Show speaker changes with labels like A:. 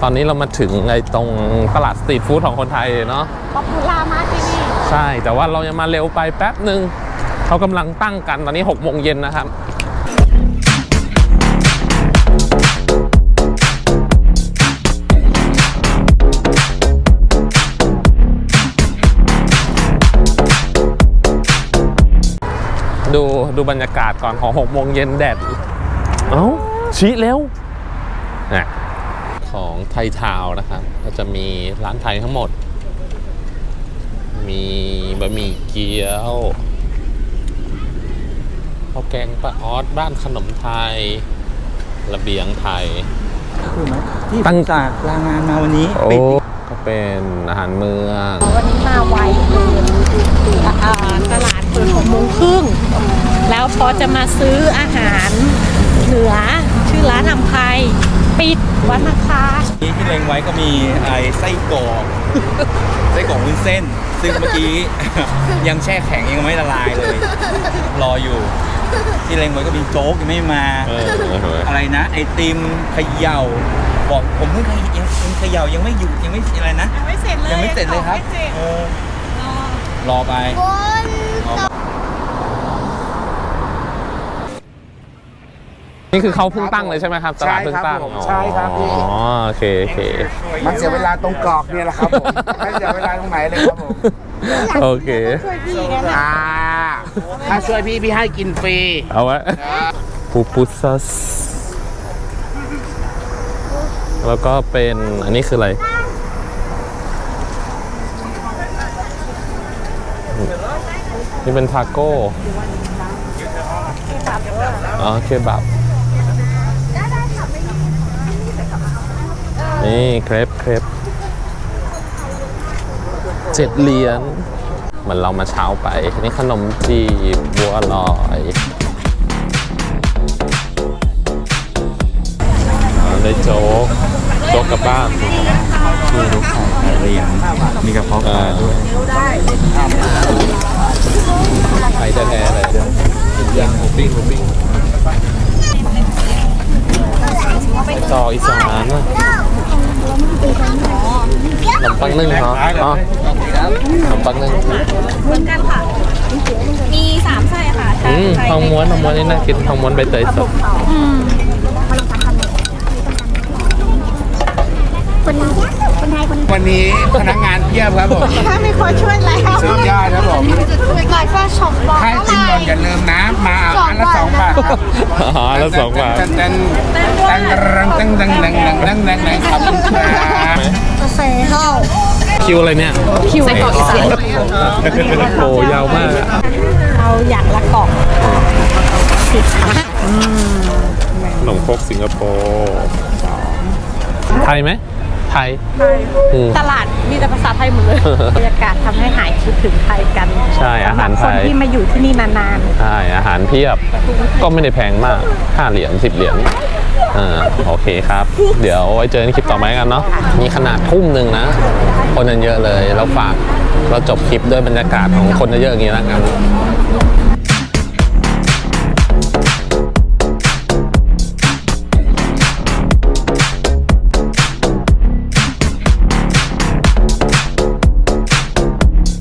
A: ตอนนี้เรามาถึงไอ้ตรงตลาดสตรีทฟู้ดของคนไทยเนาะ
B: ป๊อปปูล่ามากที่นี่
A: ใช่แต่ว่าเรายังมาเร็วไปแป๊บหนึ่งเขากำลังตั้งกันตอนนี้6 โมงเย็นนะครับดูบรรยากาศก่อนของ6 โมงเย็นแดดเอ้าชี้เร็วนะของไทยทาวน์นะครับก็จะมีร้านไทยทั้งหมดมีบะหมี่เกี๊ยวข้าวแกงป้าออสบ้านขนมไทยระเบียงไทย
C: คือไหมที่ตั้งจากลางานมาวันนี้
A: ก็เป็นอาหารเมือง
B: วันนี้มาไวตลาดเปิด6 โมงครึ่งแล้วพอจะมาซื้ออาหารเหนือชื่อร้านอำไพปิดวันอังคาร
C: ที่เล็งไว้ก็มีไส้กรอกวุ้นเส้นซึ่งเมื่อกี้ ยังแช่แข็งยังไม่ละลายเลยรออยู่ที่เล็งไว้ก็มีโจ๊กยังไม่มาอะไรนะไอติมเขย่าบอกผมเพิ่งเขย่ายังไม่อยู่ยังไม่อะไรนะ
B: ยังไม่เสร็จเลย
C: ครับรอไป
A: นี่คือเขาเพิ่งตั้งเลยใช่ไหมครับตลาดเพิ่งตั้ง
D: ใช่ครับพี่
A: อ๋อโอเค
D: มันเสียเวลาตรงกรอกเนี่ยแหละครับผมไม่เสียเวลาตรงไหนเลยครับผม
A: โอเค
B: ช่วยพี่กันนะ
D: ถ้าช่วยพี่ให้กินฟรี
A: เอาไว้ปูปุซัสแล้วก็เป็นอันนี้คืออะไรนี่เป็นทาโก้อ๋อเคบับนี่เครป7 เหรียญเหมือนเรามาเช้าไปนี่ขนมจีบบัวลอยได้โจ๊กกับบ้าน
C: มีลูกไข่เหรียญมีกระเพาะปลาด้วย
A: ไข่แท้ๆเลยย่างหมูปิ้งต่ออีสานขนมปังนึ่งเหรออ๋อขนมปังนึ่ง
B: เหมือนกันค่ะมี3ไส้ค่ะ
A: ทองม้วนนี่น่ากินทองม้วนใบเตยสด
D: วันนี้พนักงานเพียบครับผม
B: ถ้ามีคนช่วยแล้ว
D: สุดยอดครับผม
B: ลายฟ้าช็อปบอก
D: ให้จิ้มลงอย่าลืมนะมาอันละ2 บาทครับ
A: อันละ2 บาท
D: ตั้งครับ
B: เซ่เข้า
A: คิวอะไรเนี่ย
B: คิวใส่กล่องอีสาน
A: โอ้ยาวมาก
B: เอาอย่างละกล่อง10 ค่ะ
A: ขนมครกสิงคโปร์ไทยไหมไทย
B: ตลาดมีแต่ภาษาไทยหมดเลยบรรยากาศทำให้หายคิดถึงไทยกัน
A: ใช่อาหารไทย
B: คนที่มาอยู่ที่นี่นาน
A: ๆใช่อาหารเพียบก็ไม่ได้แพงมาก5 เหรียญ10 เหรียญโอเคครับเดี๋ยวไว้เจอในคลิปต่อไปกันเนาะมีขนาดทุ่มหนึ่งนะคนเยอะเลยแล้วฝากเราจบคลิปด้วยบรรยากาศของคนเยอะๆอย่างนี้แล้วกัน